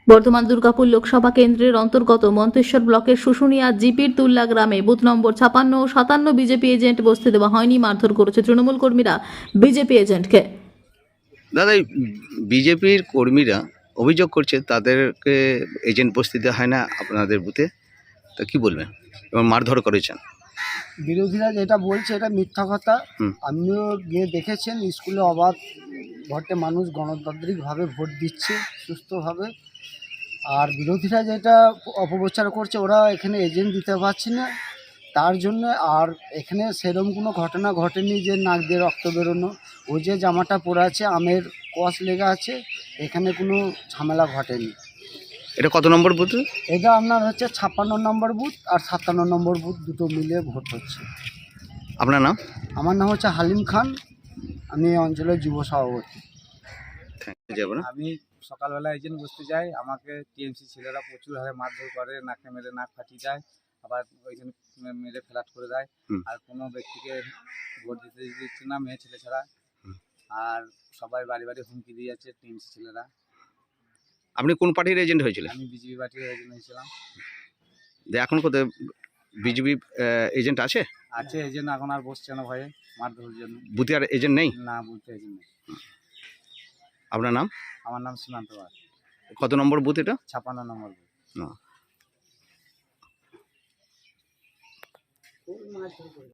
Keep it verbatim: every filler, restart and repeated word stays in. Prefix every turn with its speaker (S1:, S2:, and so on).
S1: বর্ধমান দুর্গাপুর লোকসভা কেন্দ্রের অন্তর্গত মন্তেশ্বর ব্লকের শুশুনিয়া জিপির তুল্লা গ্রামে বুথ নম্বর ছাপান্ন ও সাতান্ন বিজেপি এজেন্ট বসতে দেওয়া হয়নি, মারধর করেছে তৃণমূল কর্মীরা বিজেপি এজেন্টকে।
S2: দাদা, এই বিজেপির কর্মীরা অভিযোগ করছে তাদেরকে এজেন্ট বসতে দেওয়া হয় না আপনাদের বুথে, তা কি বলবেন? এবং মারধর করেছেন।
S3: বিরোধীরা যেটা বলছে এটা মিথ্যা কথা।
S2: হুম।
S3: আপনিও গিয়ে দেখেছেন স্কুলে অবাধ ভোটে মানুষ গণতান্ত্রিকভাবে ভোট দিচ্ছে সুস্থভাবে। আর বিরোধীরা যেটা অপপ্রচার করছে, ওরা এখানে এজেন্ট দিতে পারছে না তার জন্য। আর এখানে সেরকম কোনো ঘটনা ঘটেনি যে নাক দিয়ে রক্ত বেরোনো। ও যে জামাটা পরে আছে আমের কস লেগে আছে, এখানে কোনো ঝামেলা ঘটেনি।
S2: এটা কত নম্বর বুথ?
S3: এটা আপনার হচ্ছে ছাপ্পান্ন নম্বর বুথ আর সাতান্ন নম্বর বুথ, দুটো মিলিয়ে ভোট হচ্ছে।
S2: আপনার নাম?
S3: আমার নাম হচ্ছে হালিম খান, আমি এই অঞ্চলের যুব সভাপতি।
S2: যাবো না।
S4: আমি সকালবেলা এজেন্ট বসতে যাই, আমাকে টিএমসি ছেলেরা প্রচুর হারে মারধর করে, নাকে মেরে নাক ফাটিয়ে যায়, আবার ওইখানে মেরে ফ্ল্যাট করে দেয়।
S2: হুম।
S4: আর কোনো ব্যক্তিকে ভোট দিতে দিচ্ছে না মেয়ে ছেলে ছাড়া।
S2: হুম।
S4: আর সবাই বাড়ি বাড়ি হুমকি দিয়ে যাচ্ছে টিএমসি ছেলেরা।
S2: আপনি কোন পার্টির এজেন্ট হয়েছিলেন?
S4: আমি বিজেপি পার্টির এজেন্ট হয়েছিলাম।
S2: যে এখন কোথায় বিজেপি এজেন্ট আছে?
S4: আছে এজেন্ট, এখন আর বসছে না ভয়ে মারধরের জন্য।
S2: বুথে আর এজেন্ট নেই?
S4: না, বলতে এজেন্ট নেই।
S2: আপনার নাম?
S4: আমার নাম সীমান্ত পাল।
S2: কত নম্বর বুথ এটা?
S4: ছাপ্পান্ন নম্বর।
S2: না।